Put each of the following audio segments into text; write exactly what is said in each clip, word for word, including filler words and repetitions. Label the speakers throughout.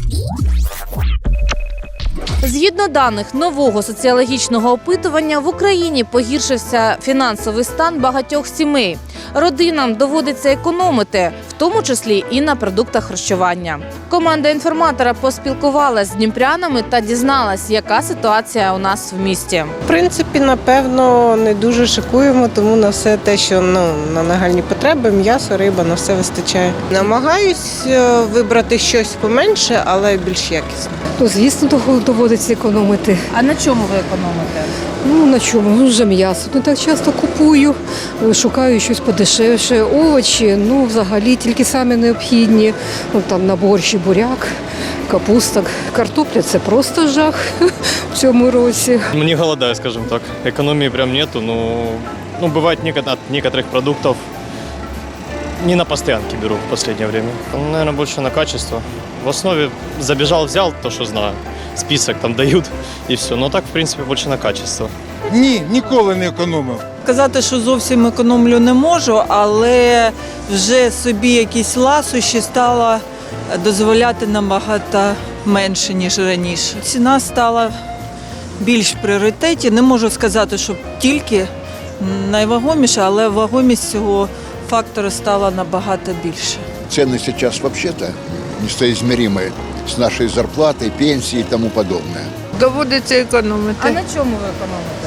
Speaker 1: Згідно даних нового соціологічного опитування, в Україні погіршився фінансовий стан багатьох сімей. Родинам доводиться економити, в тому числі і на продуктах харчування. Команда інформатора поспілкувалася з дніпрянами та дізналась, яка ситуація у нас в місті.
Speaker 2: В принципі, напевно, не дуже шикуємо, тому на все те, що ну, на нагальні потреби, м'ясо, риба, на все вистачає. Намагаюсь вибрати щось поменше, але більш якісне.
Speaker 3: Ну, звісно, доводиться економити.
Speaker 1: А на чому ви економите?
Speaker 3: Ну, на чому? Ну, вже м'ясо. Не так часто купую, шукаю щось подешевше. Овочі, ну, взагалі, тільки самі необхідні. Ну, там на борщ, буряк, капуста, картопля – це просто жах в цьому році.
Speaker 4: Ну, не голодаю, скажем так. Экономии прям нету, но ну, бывает от некоторых продуктов не на постоянке беру в последнее время. Наверное, больше на качество. В основе забежал, взял то, что знаю. Список там дают и все. Но так, в принципе, больше на качество.
Speaker 5: Ні, ніколи не економив.
Speaker 6: Казати, що зовсім економлю не можу, але вже собі якісь ласощі стала дозволяти набагато менше, ніж раніше. Ціна стала більш в пріоритеті. Не можу сказати, що тільки найвагоміше, але вагомість цього фактора стала набагато більше.
Speaker 7: Цены сейчас вообще-то несоизмеримые с нашей зарплатой, пенсией и тому подобное.
Speaker 8: Доводиться економити.
Speaker 1: А на чому ви економите?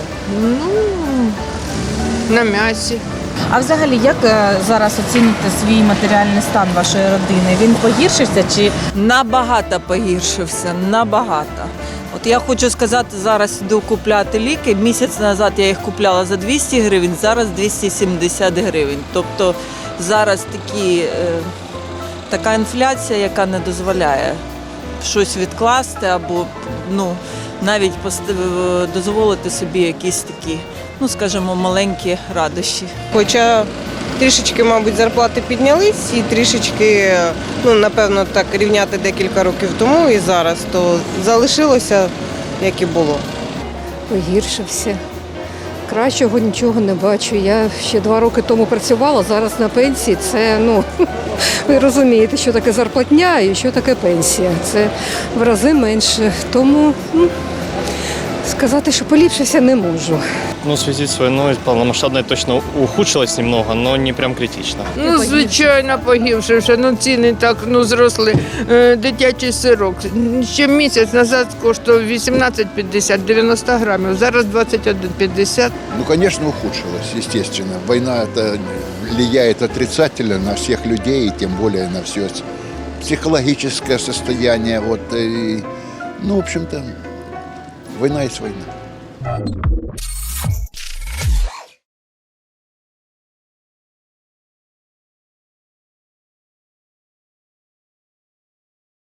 Speaker 8: Ну, на м'ясі.
Speaker 1: А взагалі, як е, зараз оціните свій матеріальний стан вашої родини? Він погіршився чи
Speaker 6: Набагато погіршився, набагато. От я хочу сказати, зараз йду купляти ліки. Місяць назад я їх купляла за двісті гривень, зараз двісті сімдесят гривень. Тобто зараз такі, е, така інфляція, яка не дозволяє щось відкласти або ну, навіть пост- дозволити собі якісь такі, ну скажімо, маленькі радощі.
Speaker 2: Хоча трішечки, мабуть, зарплати піднялись і трішечки, ну, напевно, так рівняти декілька років тому і зараз, то залишилося, як і було.
Speaker 3: Погіршився. Кращого нічого не бачу. Я ще два роки тому працювала, зараз на пенсії. Це, ну, ви розумієте, що таке зарплатня і що таке пенсія. Це в рази менше. Тому ну, сказати, що поліпшився, не можу.
Speaker 4: Ну, в связи с войной полномасштабной точно ухудшилось немного, но не прям критично.
Speaker 8: Ну, звичайно, погіршився. Ну, ціни так, ну, зросли. Е, Дитячий сирок. Ще місяць назад коштував вісімнадцять п'ятдесят, дев'яносто грамів. Зараз двадцять один п'ятдесят.
Speaker 7: Ну, конечно, ухудшилось, естественно. Война это влияет отрицательно на всех людей, и тем более на все психологическое состояние. Вот, и, ну, в общем-то, война есть война.